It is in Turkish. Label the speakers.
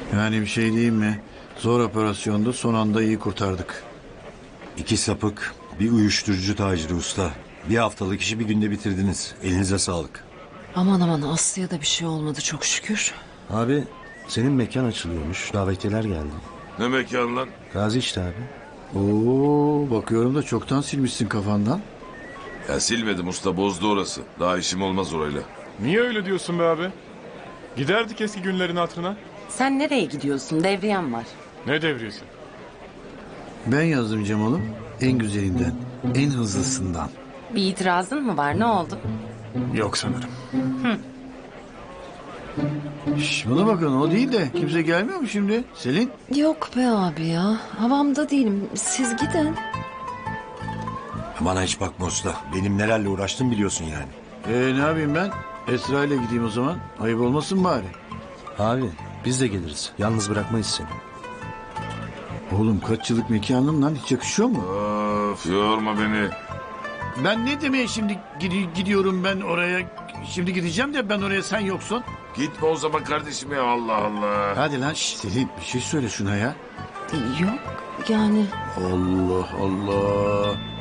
Speaker 1: Yani bir şey diyeyim mi? Zor operasyondu, son anda iyi kurtardık.
Speaker 2: 2 sapık, bir uyuşturucu taciri usta. Bir haftalık işi bir günde bitirdiniz. Elinize sağlık.
Speaker 3: Aman aman Aslı'ya da bir şey olmadı çok şükür.
Speaker 4: Abi senin mekan açılıyormuş. Davetiyeler geldi.
Speaker 5: Ne mekan lan?
Speaker 4: Gazi işte abi.
Speaker 1: Oo, bakıyorum da çoktan silmişsin kafandan.
Speaker 5: Ya silmedim usta, bozdu orası. Daha işim olmaz orayla.
Speaker 6: Niye öyle diyorsun be abi? Giderdik eski günlerin hatırına.
Speaker 3: Sen nereye gidiyorsun? Devriyem var.
Speaker 6: Ne devriyesi?
Speaker 1: Ben yazdım Cemal'ım. En güzelinden, en hızlısından.
Speaker 3: Bir itirazın mı var? Ne oldu?
Speaker 6: Yok sanırım.
Speaker 1: Şş, bana bakın, o değil de kimse gelmiyor mu şimdi? Selin?
Speaker 3: Yok be abi ya. Havamda değilim. Siz gidin.
Speaker 2: Bana hiç bakma usta. Benim nelerle uğraştım biliyorsun yani.
Speaker 1: Ne yapayım ben? Esra ile gideyim o zaman. Ayıp olmasın bari.
Speaker 4: Abi biz de geliriz. Yalnız bırakmayız seni.
Speaker 1: Oğlum kaç yıllık mekanım lan, hiç yakışıyor mu?
Speaker 5: Of, yorma beni.
Speaker 1: Ben ne demeye şimdi gidiyorum ben oraya? Şimdi gideceğim de ben oraya, sen yoksun.
Speaker 5: Gitme o zaman kardeşim ya, Allah Allah.
Speaker 1: Hadi lan şş, Selin bir şey söyle şuna ya.
Speaker 3: Yok yani.
Speaker 1: Allah Allah.